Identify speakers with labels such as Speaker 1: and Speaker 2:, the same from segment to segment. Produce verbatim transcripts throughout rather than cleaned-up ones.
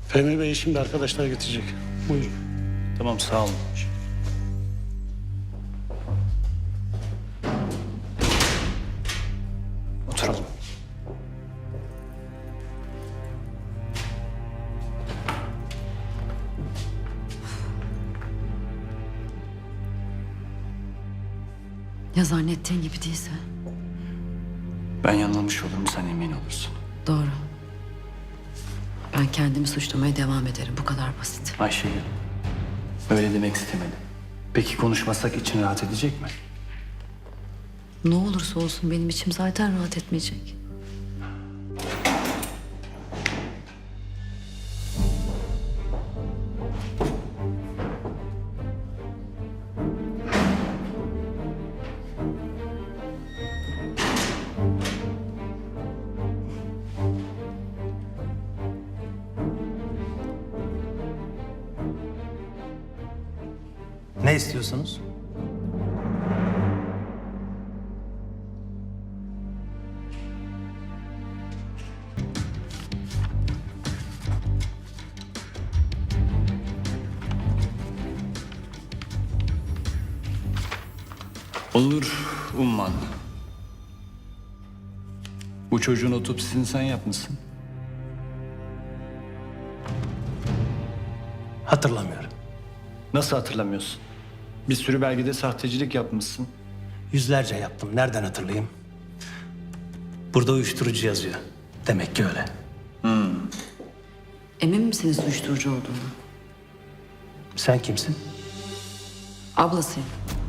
Speaker 1: Fehmi Bey şimdi arkadaşlar getirecek. Buyurun.
Speaker 2: Tamam, sağ olun. Oturalım.
Speaker 3: Ya zannettiğin gibi değilse?
Speaker 2: Ben yanılmış olurum, sen emin olursun.
Speaker 3: Doğru. Ben kendimi suçlamaya devam ederim. Bu kadar basit.
Speaker 2: Ayşegül, öyle demek istemedim. Peki konuşmasak için rahat edecek mi?
Speaker 3: Ne olursa olsun benim içim zaten rahat etmeyecek.
Speaker 4: Ne istiyorsunuz?
Speaker 2: Olur Umman. Bu çocuğun otopsisini sen yapmışsın.
Speaker 4: Hatırlamıyorum.
Speaker 2: Nasıl hatırlamıyorsun? Bir sürü belgede sahtecilik yapmışsın.
Speaker 4: Yüzlerce yaptım. Nereden hatırlayayım? Burada uyuşturucu yazıyor. Demek ki öyle.
Speaker 3: Emin misiniz uyuşturucu olduğunu?
Speaker 4: Sen kimsin?
Speaker 3: Ablasıyım.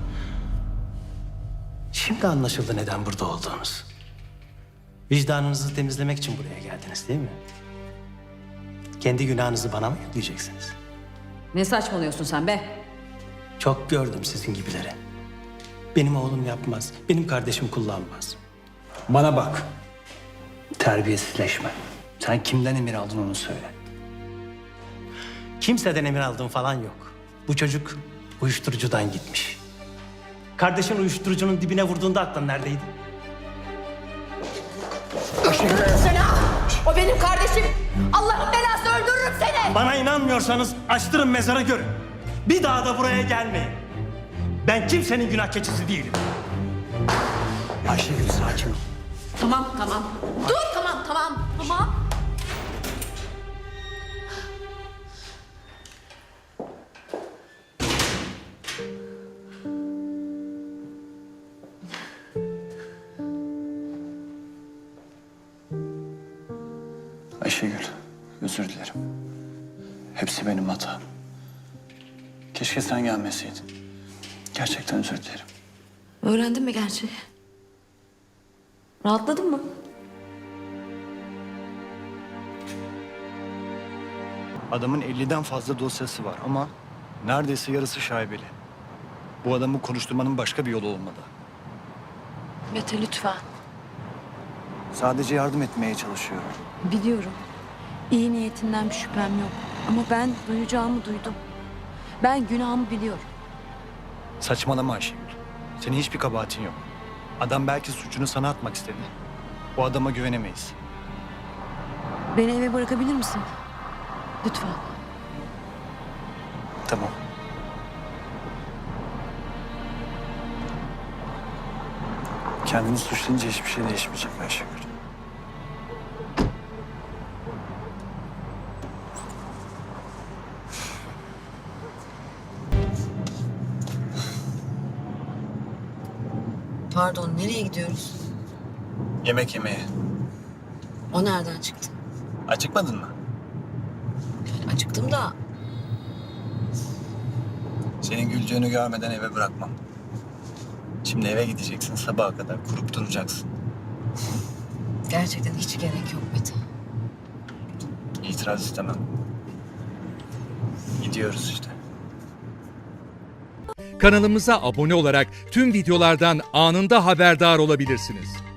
Speaker 4: Şimdi anlaşıldı neden burada olduğunuz. Vicdanınızı temizlemek için buraya geldiniz değil mi? Kendi günahınızı bana mı yükleyeceksiniz?
Speaker 3: Ne saçmalıyorsun sen be?
Speaker 4: Çok gördüm sizin gibileri. Benim oğlum yapmaz. Benim kardeşim kullanmaz.
Speaker 2: Bana bak. Terbiyesizleşme. Sen kimden emir aldın onu söyle.
Speaker 4: Kimseden emir aldığım falan yok. Bu çocuk uyuşturucudan gitmiş. Kardeşin uyuşturucunun dibine vurduğunda aklın neredeydi?
Speaker 5: Seni ha! O benim kardeşim. Allah'ın belası öldürürüm seni.
Speaker 4: Bana inanmıyorsanız açtırın mezarı görün. Bir daha da buraya gelmeyin. Ben kimsenin günah keçisi değilim. Ayşegül sakin ol.
Speaker 5: Tamam tamam. Dur tamam tamam tamam.
Speaker 2: Ayşegül, özür dilerim. Hepsi benim hatam. Keşke sen gelmeseydin. Gerçekten özür dilerim.
Speaker 3: Öğrendin mi gerçeği? Rahatladın mı?
Speaker 2: Adamın elliden fazla dosyası var ama neredeyse yarısı şaibeli. Bu adamı konuşturmanın başka bir yolu olmalı.
Speaker 3: Mete lütfen.
Speaker 2: Sadece yardım etmeye çalışıyorum.
Speaker 3: Biliyorum. İyi niyetinden bir şüphem yok. Ama ben duyacağımı duydum. Ben günahımı biliyorum.
Speaker 2: Saçmalama Ayşegül. Senin hiçbir kabahatin yok. Adam belki suçunu sana atmak istedi. O adama güvenemeyiz.
Speaker 3: Beni eve bırakabilir misin? Lütfen.
Speaker 2: Tamam. Kendini suçlayınca hiçbir şey değişmeyecek Ayşegül.
Speaker 3: Pardon, nereye gidiyoruz?
Speaker 2: Yemek yemeye.
Speaker 3: O nereden çıktı?
Speaker 2: Acıkmadın mı?
Speaker 3: Yani acıktım da
Speaker 2: Senin güldüğünü görmeden eve bırakmam. Şimdi eve gideceksin, sabaha kadar kurup duracaksın.
Speaker 3: gerçekten hiç gerek yok Mete.
Speaker 2: İtiraz istemem. Gidiyoruz işte.
Speaker 6: Kanalımıza abone olarak tüm videolardan anında haberdar olabilirsiniz.